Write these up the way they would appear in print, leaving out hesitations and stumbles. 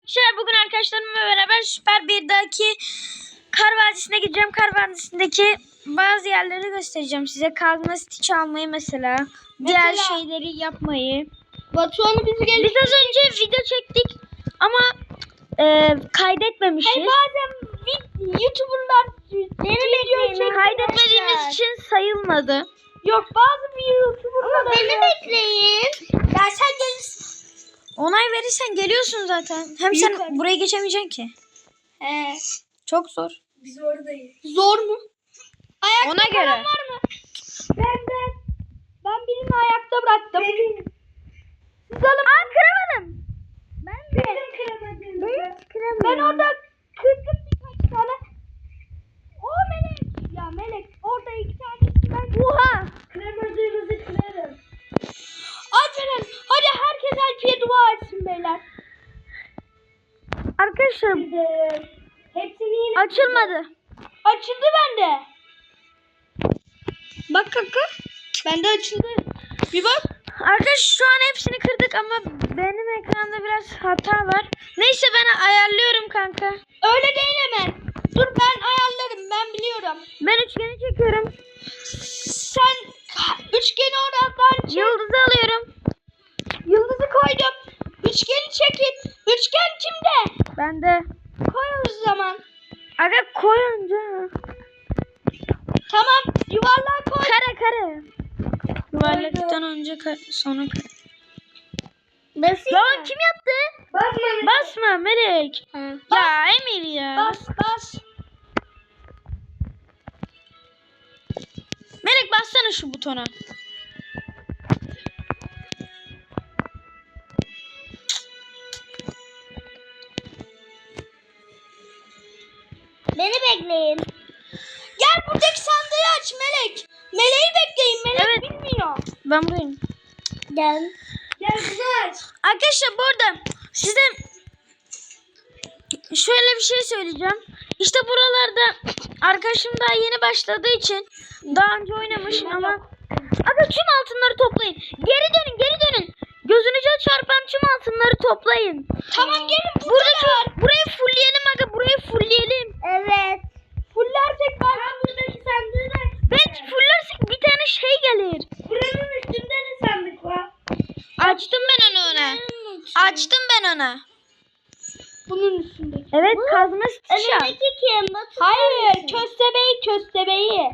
Bugün arkadaşlarımla beraber Süper 1'deki Kar Vadisi'ne gideceğim. Kar Vadisi'ndeki bazı yerleri göstereceğim size. Kazma Stitch almayı mesela. Diğer şeyleri yapmayı. Batuhan'ı Biz az önce video çektik ama kaydetmemişiz. Hayır, bazen YouTuber'lar video kaydetmediğimiz için sayılmadı. Yok, bazı bir YouTuber'lar. Ama beni bekleyin. Ya sen gelirsin. Onay verirsen geliyorsun zaten. Hem sen buraya geçemeyeceksin ki. He. Çok zor. Biz oradayız. Zor mu? Ayakta Ona göre. var mı? Ben birini ayakta bıraktım. Siz alın. Kıramadım. Ben kıramadım. Ben orada kırdım birkaç tane. O Melek. Ya Melek orada iki tanesinden. Oha. Kıramadığınızı kırarım. Açın. Hadi herkes Alpi'ye dua etsin beyler. Arkadaşlar Hepsini yine açılmadı. açıldı bende. Bak kanka. Bende açıldı. Bir bak. Arkadaşlar şu an hepsini kırdık ama benim ekranda biraz hata var. Neyse ben ayarlıyorum kanka. Öyle değil hemen. Dur ben ayarlarım. Ben biliyorum. Ben üçgeni çekiyorum. Sen üçgeni oradan çek. Yıldızı alıyorum. Yıldızı koydum. Üçgeni çekin. Üçgen kimde? Ben de. Koy o zaman. Aga koyunca. Tamam. Yuvarlağı koy. Kare. Yuvarlaktan önce sonra kare. Basayım Lan kim yaptı? Basma Melek. Bas. Ya Emir ya. Bas. Melek bassana şu butona. Beni bekleyin. Gel buradaki sandığı aç Melek. Meleği bekleyin. Melek bilmiyor. Ben buradayım. Gel bunu aç. Arkadaşlar bu arada size şöyle bir şey söyleyeceğim. İşte buralarda arkadaşım daha yeni başladığı için daha önce oynamış ama aga tüm altınları toplayın. Geri dönün. Gözünüze çarpan tüm altınları toplayın. Tamam gelin burada. Burayı fullleyelim aga, burayı fullleyelim. Evet. Fullersek ben buradaki sandığı da Belki fullersek bir tane şey gelir. buranın üstünde de sandık var. Açtım ben ona. Bunun üstünde. Evet, kazma Stitch al. kim? Hayır, köstebeği.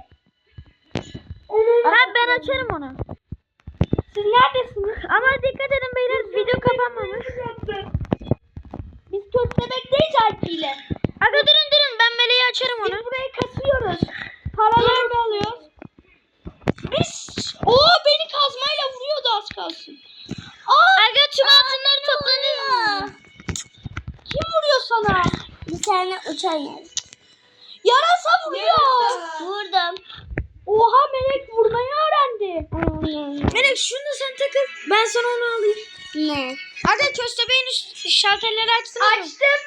Ben açarım onu. Siz neredesiniz? Ama dikkat edin beyler, video kapanmamış. Biz köstebekteyiz Alpi'yle. Aga durun ben meleği açarım onu. Biz burayı kasıyoruz. Paralarını alıyoruz. Beni kazmayla vuruyordu az kalsın. Aga tüm altınları topladınız mı? Kim vuruyor sana? Bir tane uçan yer. Yarasa vuruyor. Vurdum. Oha Melek vurmayı öğrendi. Melek şunu da sen takıl. Ben sana onu alayım. Ne? Aga köstebeğin üst şalterleri açsana. Açtım.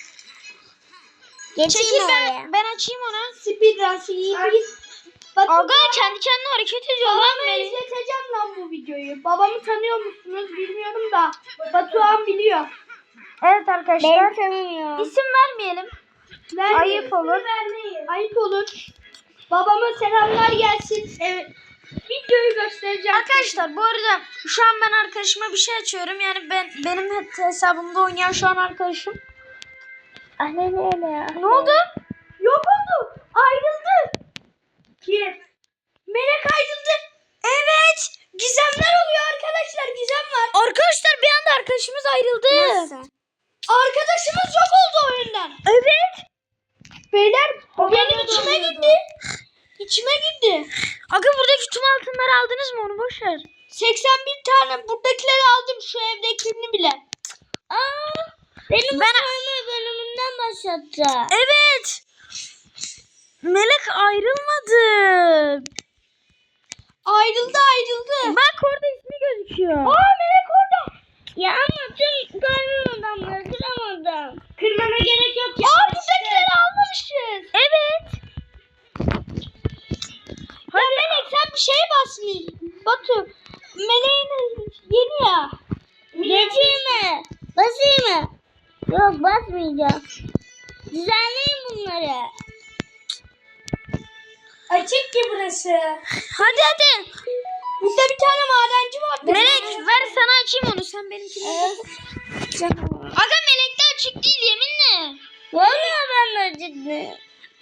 Çekil ben açayım ona. Speedrun. Aga kendi kendine hareket ediyor lan Babamı Melek. izleteceğim lan bu videoyu. Babamı tanıyor musunuz bilmiyorum da. Batuhan biliyor. Evet arkadaşlar. Ben tanımıyorum. İsim vermeyelim. Ayıp olur. Ayıp olur. Babama selamlar gelsin. Evet. Videoyu göstereceğim. Arkadaşlar bu arada şu an ben arkadaşıma bir şey açıyorum. Yani benim hesabımda oynayan şu an arkadaşım. Anne ne ya? Ne oldu? Yok oldu. Ayrıldı. Kim? Melek ayrıldı. Evet. Gizemler oluyor arkadaşlar. Gizem var. Arkadaşlar bir anda arkadaşımız ayrıldı. Nasıl? Arkadaşımız yok oldu oyundan. Evet. Beyler benim içime gitti. İçime gitti. Aga buradaki tüm altınları aldınız mı, onu boş ver. 81 tane buradakileri aldım. Şu evdekini bile. Benim oyunu bölümünden başlattı. Evet. Melek ayrılmadı. Ayrıldı. Bak orada ismi gözüküyor. Melek orada. Ya ama tüm kalbim adamları kıramadım. Kırmana gerek yok ya. Buradakileri almamışız. Evet. Ya Melek sen bir şeye basmıyorsun. Batu. Meleğin yeni ya. Geçeyim mi? Basayım mı? Yok. Yok basmayacağım. Düzenleyin bunları. Açık ki burası. Hadi hadi. Burada bir tane madenci var. Melek ver sana açayım onu. Sen benimkini. Aga Melek de açık değil yeminle. Vallahi ben acıktım.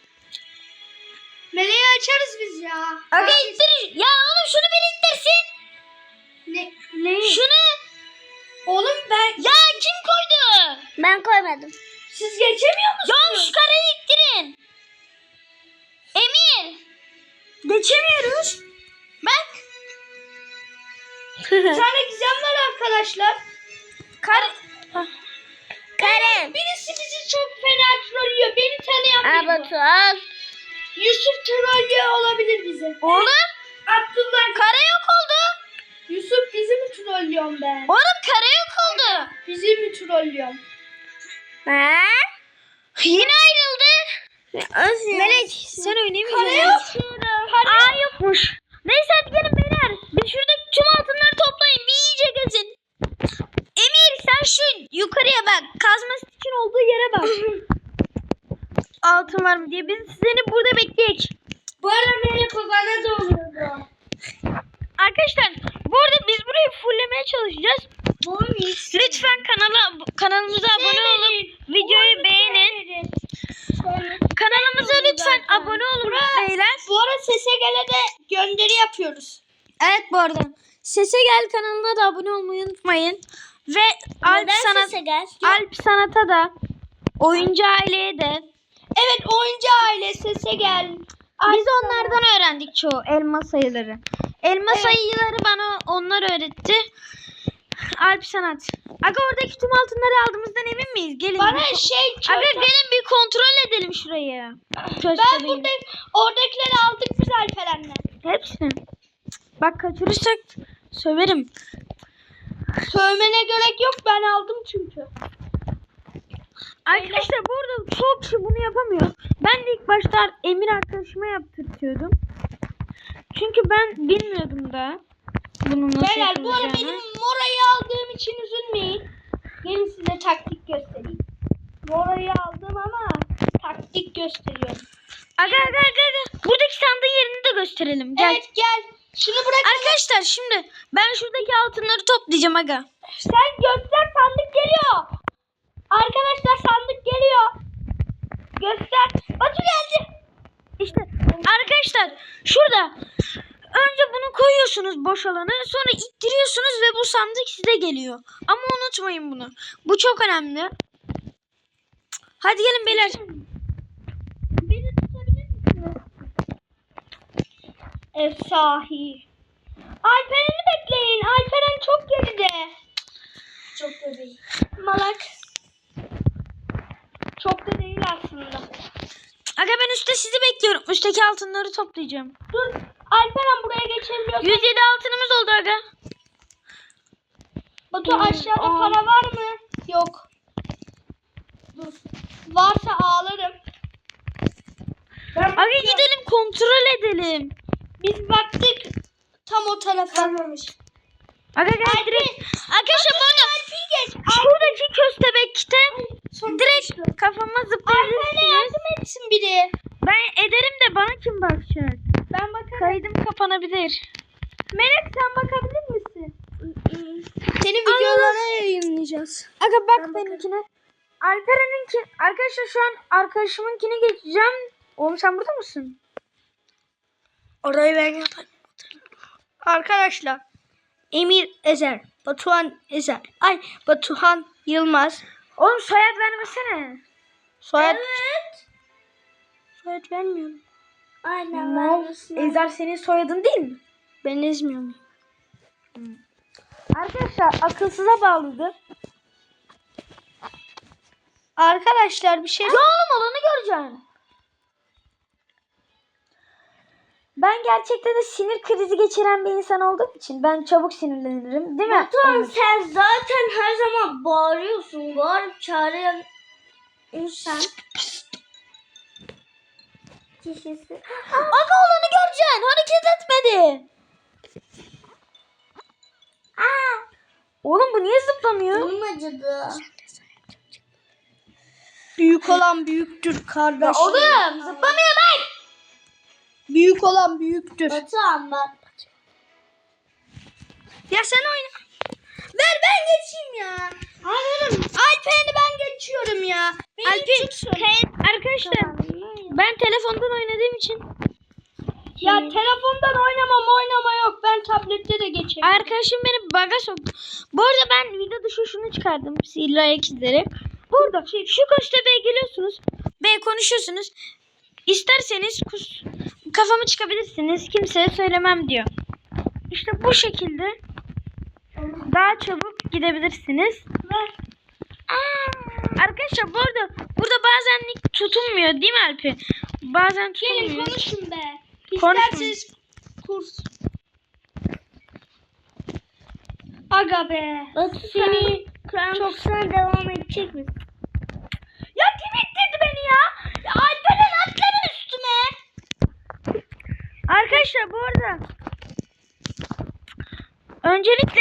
Meleği açarız biz ya. Aga ittir. Ya oğlum şunu bir ittirsin. Ne? Şunu. Oğlum ben... Ya kim koydu? Ben koymadım. Siz geçemiyor Ya musunuz? şu karayı ittirin. Emir. Geçemiyoruz. Bak. Bir tane gizem var arkadaşlar. Karem. Birisi bizi çok fena trollüyor. Beni tanıyan biri bu. Batu al. Yusuf trollüyor olabilir bizi. Oğlum. Abdullah. Kara yok oldu. Yusuf bizi mi trollüyorsun ben? Oğlum kara yok oldu. Bizi mi trollüyorsun? Ha? Yine ayrıldı. Melek sen oynayamayacaksın. Aa yokmuş. Neyse hadi gelin beyler. Bir şuradaki tüm altınları toplayın. Bir iyice gezin. Emir sen şu yukarıya bak. Kazması için olduğu yere bak. Altın var mı diye. Biz seni burada bekleyek. Bu arada Melek o bana da oluyordu. Arkadaşlar bu arada biz burayı fulllemeye çalışacağız. Lütfen kanalımıza abone olup videoyu beğenin. Kanalımıza lütfen abone olun beyler. Bu arada Sese Gel'e de gönderi yapıyoruz. Evet bu arada. Sese Gel kanalına da abone olmayı unutmayın. Ve Alp Sanat'a da Oyuncu Aile'ye de. Evet oyuncu aile Sese Gel. Biz onlardan öğrendik çoğu elma sayıları. Elma sayıları bana onlar öğretti. Alp Sanat. Aga oradaki tüm altınları aldığımızdan emin miyiz? Gelin. Bana Aga gelin bir kontrol edelim şurayı. Ben burada oradakileri aldık biz Alperen'le. Hepsini. Bak kaçırırsak söverim. Sövmene gerek yok ben aldım çünkü. Arkadaşlar bu arada çok kişi bunu yapamıyor. Ben de ilk başta Emir arkadaşıma yaptırtıyordum. Çünkü ben bilmiyordum da bunun nasıl Beyler bu ara yapılacağını. benim morayı aldığım için üzülmeyin. Gelin size taktik göstereyim. Morayı aldım ama taktik gösteriyorum. Aga. Buradaki sandığın yerini de gösterelim. Gel. Evet gel. Şunu bırak. Arkadaşlar şimdi ben şuradaki altınları toplayacağım aga. Sen göster sandık geliyor. Arkadaşlar sandık geliyor. Göster. Batu geldi. İşte arkadaşlar şurada önce bunu koyuyorsunuz boş alanı, sonra ittiriyorsunuz ve bu sandık size geliyor. Ama unutmayın bunu. Bu çok önemli. Hadi gelin beyler. Beni tutabilir misiniz? Sahi. Alperen'i bekleyin. Alperen çok geride. Çok da değil. Malak. Çok da değil aslında. Aga ben üstte sizi bekliyorum. Üstteki altınları toplayacağım. Dur. Alperen buraya geçebiliyorsun. 107 altınımız oldu aga. Batu aşağıda para var mı? Yok. Dur. Varsa ağlarım. Aga gidelim kontrol edelim. Biz baktık tam o tarafa. Kalmamış. Aga gel direkt. Arkadaşlar bu arada şuradaki köstebekte direkt kafama Alperen'e zıplayabilirsiniz. yardım etsin biri. Ben ederim de bana kim bakacak? Ben bakarım. Kaydım kapanabilir. Melek sen bakabilir misin? Senin videolarına yayınlayacağız. Aga bak benimkine. Alperen'inki. Arkadaşlar şu an arkadaşımınkini geçeceğim. Oğlum sen burada mısın? Orayı ben yaparım. Arkadaşlar Emir Ezer, Batuhan Ezer. Batuhan Yılmaz. Oğlum soyad vermesene. Soyad. Evet. Soyad vermiyorum. Aynen. Ezer senin soyadın değil mi? Ben ezmiyorum. Arkadaşlar akılsıza bağlıdır. Arkadaşlar bir şey... Ya oğlum olanı göreceksin. Ben gerçekten de sinir krizi geçiren bir insan olduğum için ben çabuk sinirlenirim, değil mi? Batuhan sen zaten her zaman bağırıyorsun. Bağırıp çağırıyorsun sen. Kişisi. Aga olanı göreceksin. Hareket etmedi. Oğlum bu niye zıplamıyor? Canım acıdı. Büyük olan büyüktür kardeş. Oğlum zıplamıyor ben. Büyük olan büyüktür. Batuhan bak. Ya sen oyna. Ver ben geçeyim ya. Hayır. Alpen'i ben geçiyorum ya. Arkadaşlar ben telefondan oynadığım için Ya telefondan oynama yok. Ben tablette de geçerim. arkadaşım beni bug'a soktu. Bu arada ben video dışı şunu çıkardım. Sihirli ayak izleri. Burada şu köstebeğe geliyorsunuz. Ve konuşuyorsunuz. İsterseniz kafamı çıkabilirsiniz. Kimseye söylemem diyor. İşte bu şekilde daha çabuk gidebilirsiniz. Arkadaşlar bu arada burada bazen nick tutulmuyor değil mi Alpi? Bazen Gelin tutulmuyor. konuşun be. Konuşun. İsterseniz kurs. Aga be. Batu seni Krampus'una devam edecek misin? Ya kim ittirdi beni ya? Ya Alperen atların üstüme. Arkadaşlar bu arada öncelikle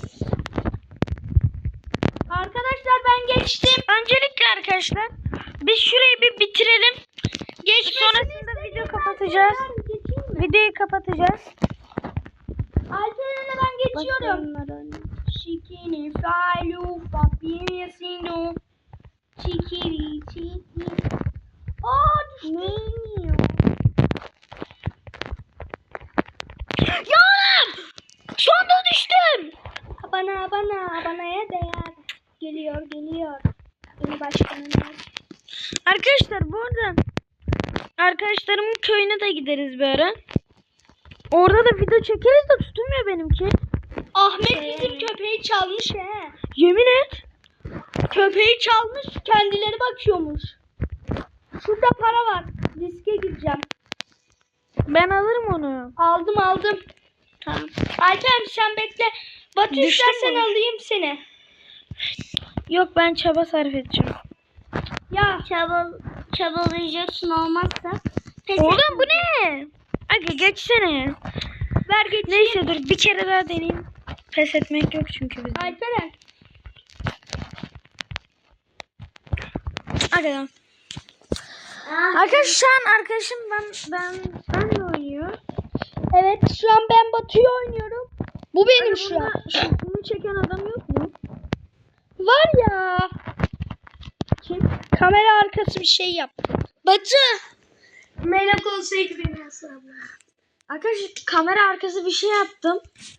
Arkadaşlar ben geçtim. arkadaşlar biz şurayı bir bitirelim. Sonrasında video kapatacağız. Videoyu kapatacağız. Alperen'le ben geçiyorum. Şikini falu papini sinu. Çikiri çiki. Aa düştüm. Ya oğlum! Şu anda düştüm. Abanaya değer. Geliyor. Beni başkanım. Arkadaşlar bu arada arkadaşlarımın köyüne de gideriz bir ara. Orada da video çekeriz de tutulmuyor benimki. Ahmet bizim köpeği çalmış he. Yemin et. Köpeği çalmış, kendileri bakıyormuş. Şurada para var. Riske gireceğim. Ben alırım onu. Aldım. Tamam. Alper sen bekle. Batu Düştün istersen mü? alayım seni. Yok ben çaba sarf edeceğim. Ya Çabalayacaksın olmazsa. Oğlum bu ne? Aga geçsene. ver geç. Neyse dur bir kere daha deneyeyim. Pes etmek yok çünkü bizde. Alperen. Aga tamam. Arkadaşlar şu an arkadaşım benle oynuyor. Evet şu an ben Batu'yu oynuyorum. Bu benim şu an. Bunu çeken adam yok mu? Var ya. Kim? Kamera arkası bir şey yaptı. Batu. Melek olsaydı beni asla. Arkadaşlar kamera arkası bir şey yaptım.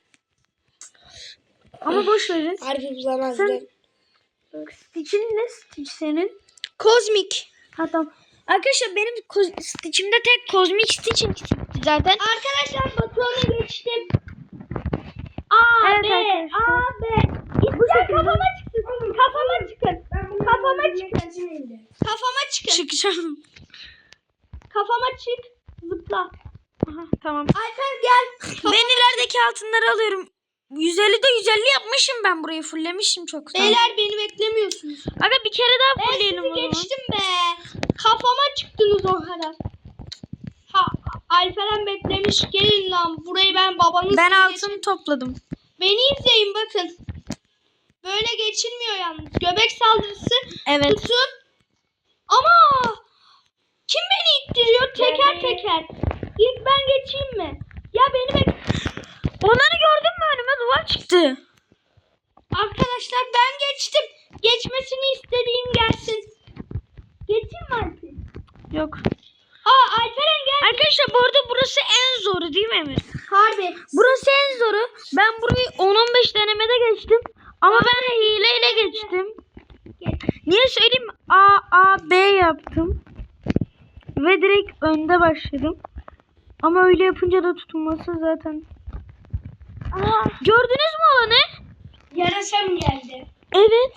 Ama boş verin. Harbi bulamazdım. Sen Stitch'in ne Stitch senin? Kozmik. Ha tamam. Arkadaşlar benim Stitch'imde tek kozmik Stitch'in çıktı zaten. Arkadaşlar Batuhan'a geçtim. Evet B, arkadaşlar. A, B. İster kafama çıksın. Kafama çıkın. Kafama çıkın. Kafama çıkın. Çıkacağım. Kafama çık. Zıpla. Aha, tamam. Alper gel. Ben ilerideki altınları alıyorum. 150'de 150 yapmışım ben burayı fullemişim çoktan. Beyler beni beklemiyorsunuz. Aga bir kere daha Ben fullleyelim o sizi zaman. geçtim be. Kafama çıktınız o kadar. Ha, Alperen beklemiş. Gelin lan. Burayı ben babanız. Ben size altını topladım. Beni izleyin bakın. Böyle geçilmiyor yalnız. Göbek saldırısı Evet. tutun. Ama kim beni ittiriyor teker. İlk ben geçeyim mi? Ya beni Onları gördün mü önüme duvar çıktı. Arkadaşlar ben geçtim. Geçmesini istediğim gelsin. Geçeyim mi Alper? Yok. Alperen gel. Arkadaşlar bu arada burası en zoru değil mi Emir? Harbi. Burası en zoru. Ben burayı 10-15 denemede geçtim. Ama ben hileyle geçtim. Niye söyleyeyim mi? A, B yaptım. Ve direkt önde başladım. Ama öyle yapınca da tutulması zaten. Gördünüz mü olanı? Yarasam geldi. Evet.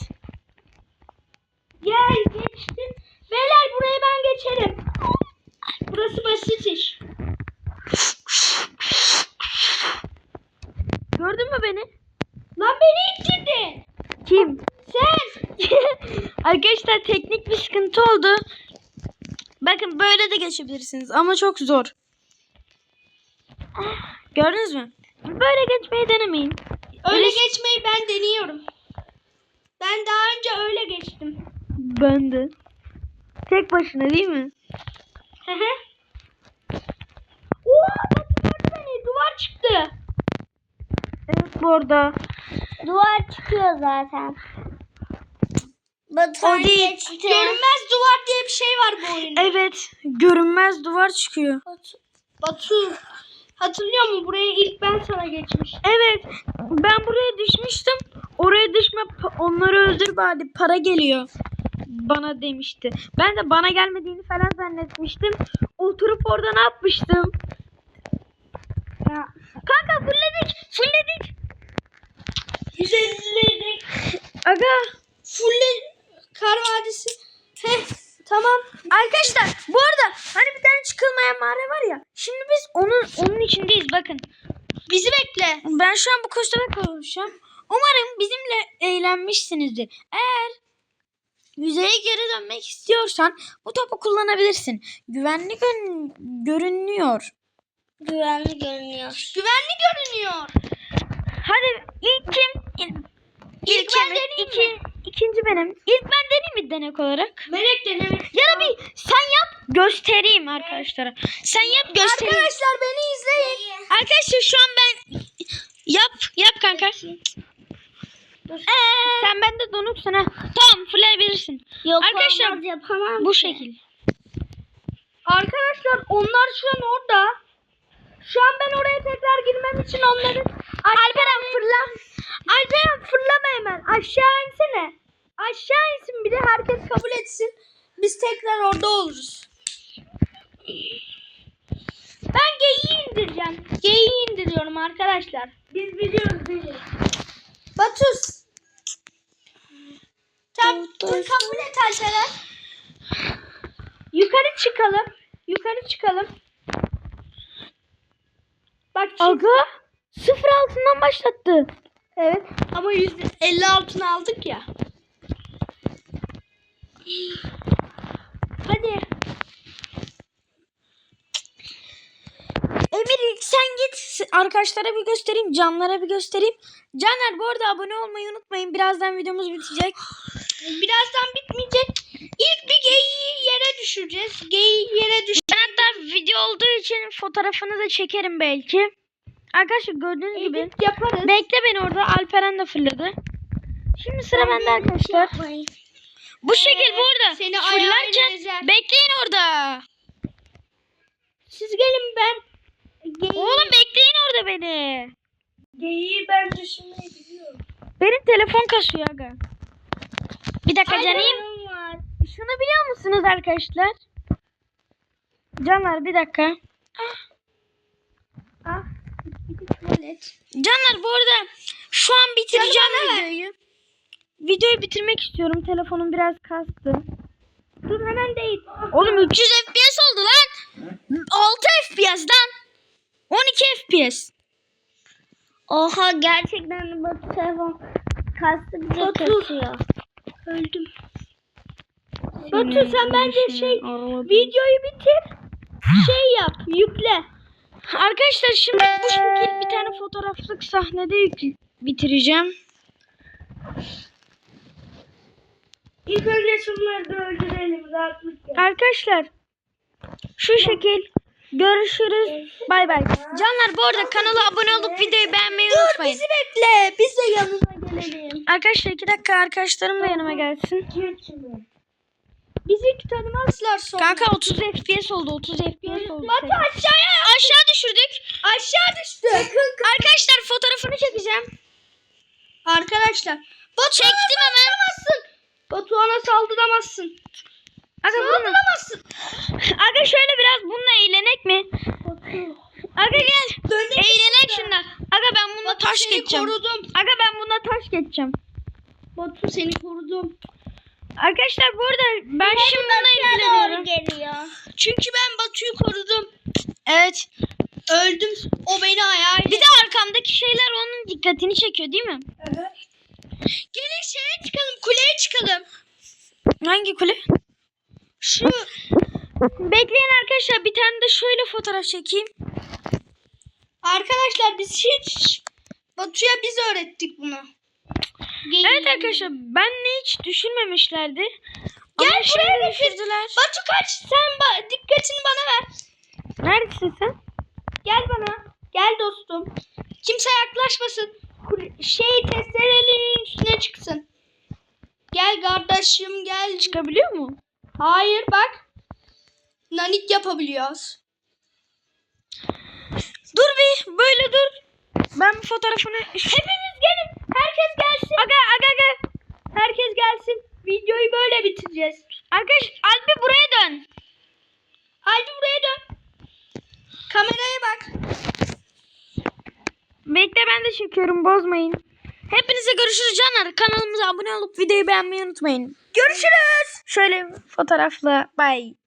Gel geçtim. Beyler burayı ben geçerim. Burası basit iş. Gördün mü beni? Lan beni ittirdin. Kim? Sen. Arkadaşlar teknik bir sıkıntı oldu. Bakın böyle de geçebilirsiniz ama çok zor. Gördünüz mü? Böyle geçmeyi denemeyin. Öyle geçmeyi ben deniyorum. Ben daha önce öyle geçtim. Ben de. Tek başına değil mi? Hı hı. Oha Batu gördü beni. Duvar çıktı. Evet bu arada. Duvar çıkıyor zaten. Batuhan O değil. geçti. Görünmez duvar diye bir şey var bu oyunda. Evet. Görünmez duvar çıkıyor. Batu hatırlıyor musun? Buraya ilk ben sana geçmiştim. Evet. Ben buraya düşmüştüm. Oraya düşme, onları öldür bari, para geliyor bana demişti. Ben de bana gelmediğini falan zannetmiştim. Oturup orada ne yapmıştım? Ya. Kanka fullledik. 150'lik Aga. full kar vadisi. Heh, tamam. Arkadaşlar bu arada hani bir tane çıkılmayan mağara var ya. Şimdi biz onun içindeyiz bakın. Bizi bekle. Ben şu an bu kostüme kavuşacağım. Umarım bizimle eğlenmişsinizdir. Eğer yüzeye geri dönmek istiyorsan bu topu kullanabilirsin. Güvenli görünüyor. Güvenli görünüyor. Güvenli görünüyor. Hadi ilk kim? İlk ben deneyeyim mi? İkinci benim. İlk ben deneyeyim mi denek olarak? Melek denemek. Ya da bir sen yap göstereyim arkadaşlara. Sen yap göstereyim. Arkadaşlar beni izleyin. Arkadaşlar şu an ben yap kanka. Sen bende donuksun ha. Tamam fırlayabilirsin. Yok Arkadaşlar, olmaz, yapamam. Bu şekil. Arkadaşlar onlar şu an orada. Şu an ben oraya tekrar girmem için onları... Alperen fırla. Alperen fırlama hemen. Aşağı insene. Aşağı insin bir de herkes kabul etsin. Biz tekrar orada oluruz. Ben geyiği indireceğim. Geyiği indiriyorum arkadaşlar. Biz biliyoruz değil. Batus. Tamam. Kabul et Alperen. Yukarı çıkalım. Yukarı çıkalım. Bak şimdi. Aga 0 altından başlattı. Evet ama %50 altına aldık ya. Hadi. Emir sen git arkadaşlara bir göstereyim, canlara bir göstereyim. Canlar bu arada abone olmayı unutmayın. Birazdan videomuz bitecek. Birazdan bitmeyecek. İlk bir geyiği yere düşüreceğiz. Geyiği yere düş. Ben hatta video olduğu için fotoğrafını da çekerim belki. Arkadaşlar gördüğünüz gibi. Edit yaparız. Bekle beni orada. Alperen de fırladı. Şimdi sıra bende arkadaşlar. Bu şekil bu arada. Seni Fırlarken ayağıyla ezer. bekleyin orada. Siz gelin ben. Oğlum bekleyin orada beni. Geyiği ben düşünmeyi biliyorum. Benim telefon kasıyor aga. Bir dakika canım. Ayağım var. Şunu biliyor musunuz arkadaşlar? Canlar bir dakika. Ah. Bir tuvalet. Canlar bu arada şu an bitireceğim Canım, bana ver. videoyu. Videoyu bitirmek istiyorum. Telefonum biraz kastı. Dur hemen değil. Oğlum 300 FPS oldu lan. 6 FPS lan. 12 FPS. Oha gerçekten bu telefon kastı bize Batu. kasıyor. Öldüm. Batu sen bence videoyu bitir. Şey yap, yükle. Arkadaşlar şimdi bu şekil bir tane fotoğraflık sahnede bitireceğim. İlk önce şunları da öldürelim rahatlık ya. Arkadaşlar şu şekil görüşürüz. Bay bay. Canlar bu arada kanala abone olup videoyu beğenmeyi unutmayın. Bizi bekle. Biz de yanına gelelim. Arkadaşlar 2 dakika arkadaşlarım da yanıma gelsin. Bizi tanımazlar sonra. Kanka 30 FPS oldu. 30 FPS oldu. Batu aşağıya. Aşağı düşürdük. Aşağı düştü. Arkadaşlar fotoğrafını çekeceğim. Arkadaşlar. Batu Çektim hemen. Batuhan'a saldıramazsın. Aga, Saldıramazsın. Aga şöyle biraz bununla eğlenek mi? Aga gel. Eğlenek şundan. Aga ben bununla Batu taş seni geçeceğim. korudum. Aga ben bununla taş geçeceğim. Batu seni korudum. Arkadaşlar bu arada ben şimdi bununla ilgileniyorum. Geliyor. Çünkü ben Batu'yu korudum. Evet. Öldüm. O beni ayağıyla. Bir de arkamdaki şeyler onun dikkatini çekiyor değil mi? Gelin şeye çıkalım. Kuleye çıkalım. Hangi kule? Şu. Bekleyin arkadaşlar bir tane de şöyle fotoğraf çekeyim. Arkadaşlar biz hiç Batu'ya biz öğrettik bunu. Evet arkadaşlar ben hiç düşünmemişlerdi. Gel Ama buraya şimdi düşürdüler. Batu kaç. Sen dikkatini bana ver. Neredesin sen? Gel bana. Gel dostum. Kimse yaklaşmasın. Testerelerin üstüne çıksın. Gel kardeşim gel. Çıkabiliyor mu? Hayır bak. Nanik yapabiliyoruz. Dur bir böyle dur. Ben bir fotoğrafını... Hepimiz gelin. Herkes gelsin. Aga. Herkes gelsin. Videoyu böyle bitireceğiz. Arkadaş Alpi buraya dön. Haydi buraya dön. Kameraya bak. Bekle ben de çekiyorum bozmayın. Hepinize görüşürüz canlar. Kanalımıza abone olup videoyu beğenmeyi unutmayın. Görüşürüz. Şöyle fotoğrafla bye.